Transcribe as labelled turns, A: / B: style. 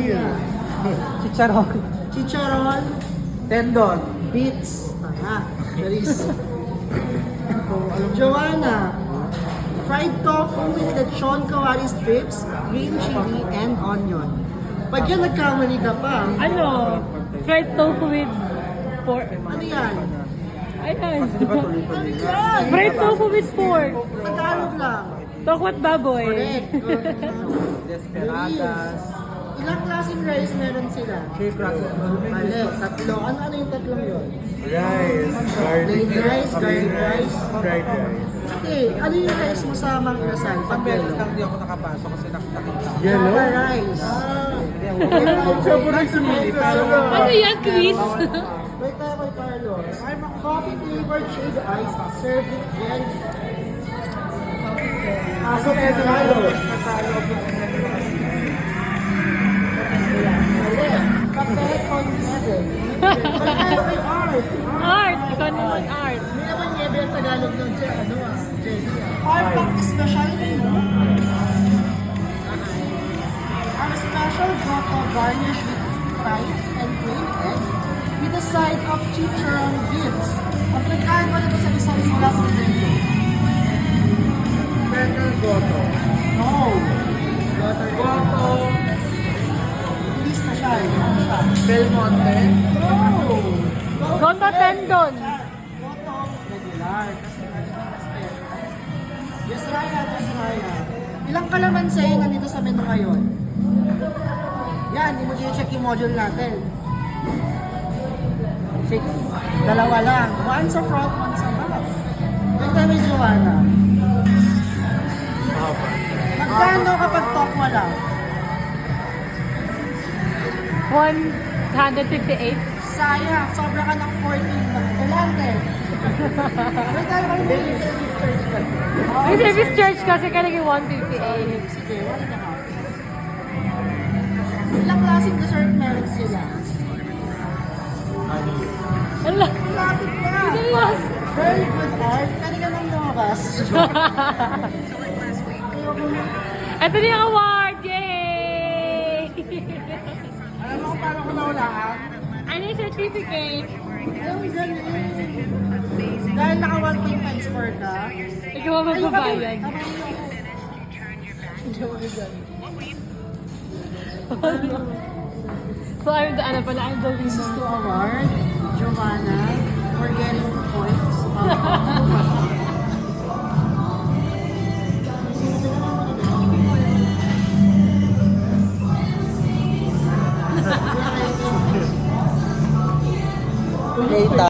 A: Ano?
B: Chicharon.
A: Chicharon,
B: Tendon.
A: beets. Charis. Joanna, fried tofu with lechon kawali strips, green chili, and onion. Pag yan nagkamali ka pa,
C: Ano? Fried tofu with pork.
A: ano yan?
C: Ayan.
B: Di ba tuloy-tuloy nga?
C: Fried tofu with pork.
A: Tagalog lang.
C: Tokwat baboy.
A: Correct.
B: Desperadas.
A: Ilang klaseng rice meron sila?
B: Shake rattle.
A: Mali, tatlo. Ano yung tatlong yun?
D: Rice, garlic,
A: Plain rice, garlic rice.
D: fried rice.
A: Okay, ano yung rice mo sa Mang Inasal?
B: Isang
A: Pag
B: beses
A: yellow?
B: lang di ako nakapasok kasi nakita.
D: Yellow?
A: Java rice.
D: Favorite ni
C: Ano yan, Chris?
A: Wait tayo kay Carlos. Coffee flavored shaved ice served with jelly.
B: Aso kaya sa malo.
A: Kape con nieve. Wait tayo kay Art.
C: Art. Ikaw naman, art.
A: Hindi naman niebe ang Tagalog ng jelly. Art pang special menu. Our special grotto garnished with fried and plain egg with a side of chicharon beans. Ang pagkain ko nito sa isang mula sa menu.
B: Better goto.
A: No.
B: Goto.
A: Hindi special. Ano siya?
B: Del Monte.
A: No.
C: Goto tendon.
A: Grotto regular. Kasi special. Yes, Raya. Yes, Raya. Ilang kalamansi nandito sa menu ngayon? Yan, hindi mo check yung module natin. 6. Dalawa lang. One sa front, one sa back. Wait tayo may Joanna. Magkano kapag talk mo lang?
C: 158.
A: Sayang, sobra ka ng 14. Magkulante. Wait tayo kay Baby Service Church ka.
C: May service charge kasi ka naging 158.
A: Sige, 1.5. Ilang klaseng dessert meron sila?
C: Ala.
A: Lapit na.
C: Serious?
A: Very good art. Pwede ka nang lumakas.
C: Ito na yung award! Yay!
B: Alam mo kung paano ko naulaan?
C: Ano yung certificate?
A: Ang galing. Dahil naka 1 point times score ka.
C: Ikaw ang magbabayad. So I'm the, ano pala, I'm the
A: This is to
C: winner.
A: award Giovanna for getting 2 points.
B: Data.